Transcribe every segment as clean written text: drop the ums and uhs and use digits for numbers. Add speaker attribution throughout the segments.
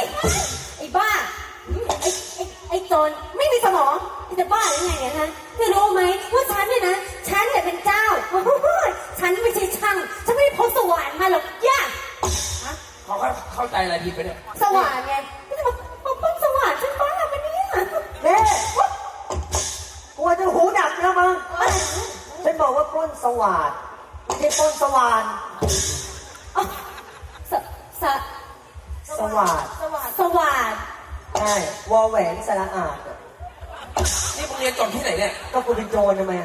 Speaker 1: ไอ้บ้าไอ้โจรไม่มีสมองจะบ้าหรือไงเนี่ยฮะจะรู้ไหมว่าฉันเนี่ยนะฉันเนี่ยเป็นเจ้าฉันไม่ใช่ช่างฉันไม่ได้พบสว่านมาหรอกย่า
Speaker 2: เขาเข้าใจอะไรผิดไปเนี่ย
Speaker 1: สว่านไงไม่จะมาป้องสว่านฉันบ้าปะเนี่ย
Speaker 3: เน่กลัวจะหูดับแล้วมั้งฉันบอกว่าปล้นสว่านไม่ใช่ปล้นสว่านสว่านใช่วอแหวนสระอาด
Speaker 2: นี่มึงเรียนจบที่ไหนเนี่ย
Speaker 3: ก็กูเป็นโจรทำไม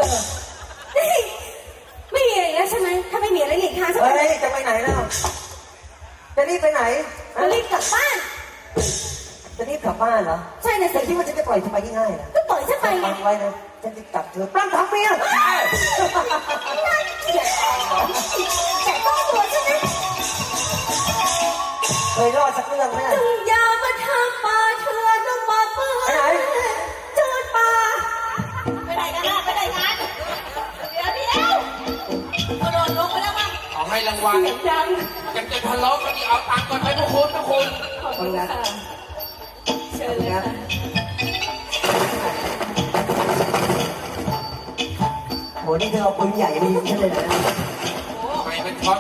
Speaker 1: ไม่มีอะไรแล้วใช่ไหมถ้าไม่มีอะไรหลีกทางใช่ไหม
Speaker 3: จะไปไหนแล้วจะรีบไปไหน
Speaker 1: จะรีบกลับบ้าน
Speaker 3: จะรีบกลับบ้านเหรอ
Speaker 1: ใช่นะสิ
Speaker 3: ที่ว่าจะปล่อยเธอไปง่ายๆนะ
Speaker 1: ก็ปล่อยฉันไปไง
Speaker 3: ไว้นะฉันจะจับเธอปล้ำทั้งเมีย
Speaker 1: แต่ต้องตัวใช่ไหม
Speaker 3: เคยรอดสักเรื่องไหม
Speaker 1: จึงอย่ามาทำป่าเถื่อนต้องมาเปื้อนโจรป่าไปไหนกันล่ะไปไหนกันเดี๋ยวกระโดดลงไปแล้วมั้ง
Speaker 2: เอาให้รางวัลยังจะทะเลาะกันอีกเอาตังค์ก่อนไปพวกคุณขอบ
Speaker 1: คุณค่ะเชิญเลยค่ะ
Speaker 3: โหนี่เธอเอาปืนใหญ่มายิงฉันเลยนะ
Speaker 2: ไม่เป็นช็อต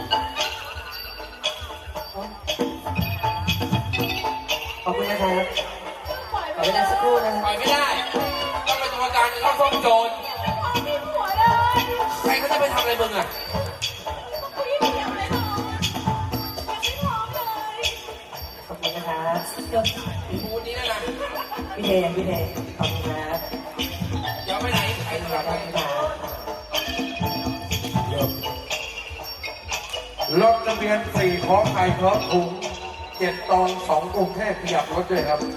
Speaker 3: ขอบคุณนะครับขอเวลาสักครู่นะ
Speaker 2: ปล่อยไม่ได้ต้องเป็นตัวการต้องฟ้องโจรใครเขาจะไปทำอะไรมึงอ่ะ
Speaker 3: ขอบคุณนะครับ
Speaker 2: พูดนี้นะ
Speaker 3: พี่เทขอบคุณครับ
Speaker 2: เดี๋ยวไปไหนใครจะไป
Speaker 4: รถทะเบียน4ของไทยพร้อมถุง7 ตอง 2 กรุงเทพขยับรถด้วยครับ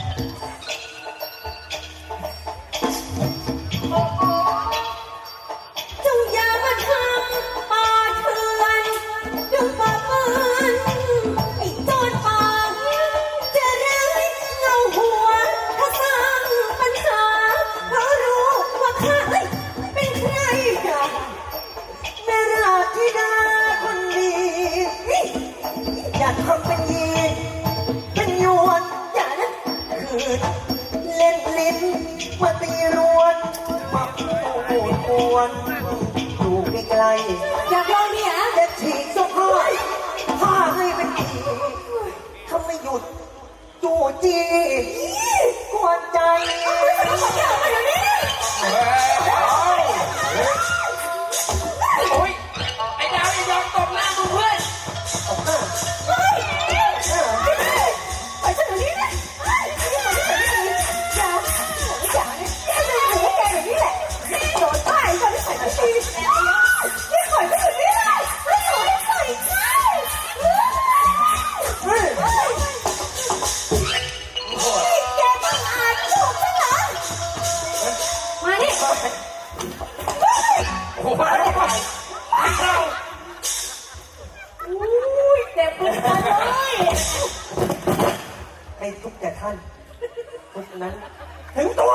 Speaker 1: จงอย่ามาทำป่าเถื่อนดึงป่าเปื้อนไอ้โจรป่าจะร้ายเงาหัวถ้าสร้างปัญหาเพราะรู้ว่าข้าเป็นใคร
Speaker 3: แม่ราธิดาคนดีอยากทำเป็นยีเป็นยวน
Speaker 1: อย่านะ
Speaker 3: คือเล่นลิ้นมาตีรวนมาโอดอวนอยู่ไกลๆ
Speaker 1: อยากลองเนี่ย
Speaker 3: จะฉีกเสื้อผ้าให้เป็นผีถ้าไม่หยุดจู่จี้กวนใจ
Speaker 2: โอ้ยไอ้ดาวอย่ายอมตบหน้ากูเพื่อน
Speaker 1: ไปฉันอยู่นี่นะอย่าให้แกแบบนี้แหละโดนป้ายก็ไม่ใส่ไม่ดีนี่ปล่อยฉันอยู่นี่เลยไม่ขอให้ปล่อยแกต้องอาจถูกฉันเหรอมาดิ
Speaker 2: โอ้ยเข้า
Speaker 1: เจ็บปวดเลย
Speaker 3: ให้ทุกแต่ท่านเพราะฉะนั้นถึงตัว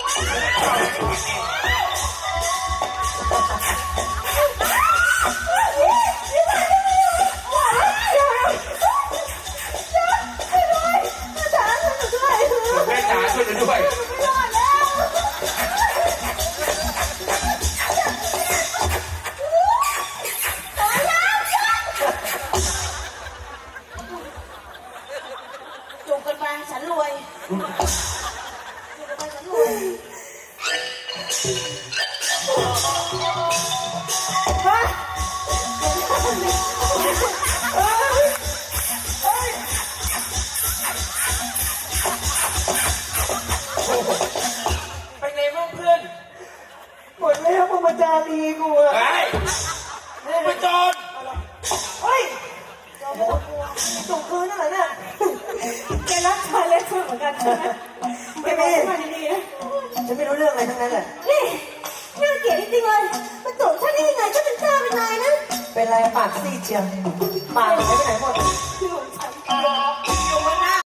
Speaker 2: แม่จ๋าช่วยกันด้วย
Speaker 1: อยู่กันไปฉันรวยอยู่กันไปฉันรวย
Speaker 2: ไปไงบ้างเพื่อน
Speaker 3: หมดแล้วพรหมจารีกูอะ
Speaker 2: ไปโจร
Speaker 3: เฮ้ยส่งคืนนั่นแหละเนี่ย
Speaker 1: แกรักชายเล็กเหมือนกันใช่ไหม
Speaker 3: ไม่มีฉันไม่รู้เรื่องอะไรทั้งนั้นแหละ
Speaker 1: นี่น่าเกลียดจริงๆเลยมันโจรฉันได้ยังไงฉันเป็นเจ้าเป็นนายนะ
Speaker 3: เป็นไรปากซีดเชียวปากไปไหนหมด
Speaker 1: คือผม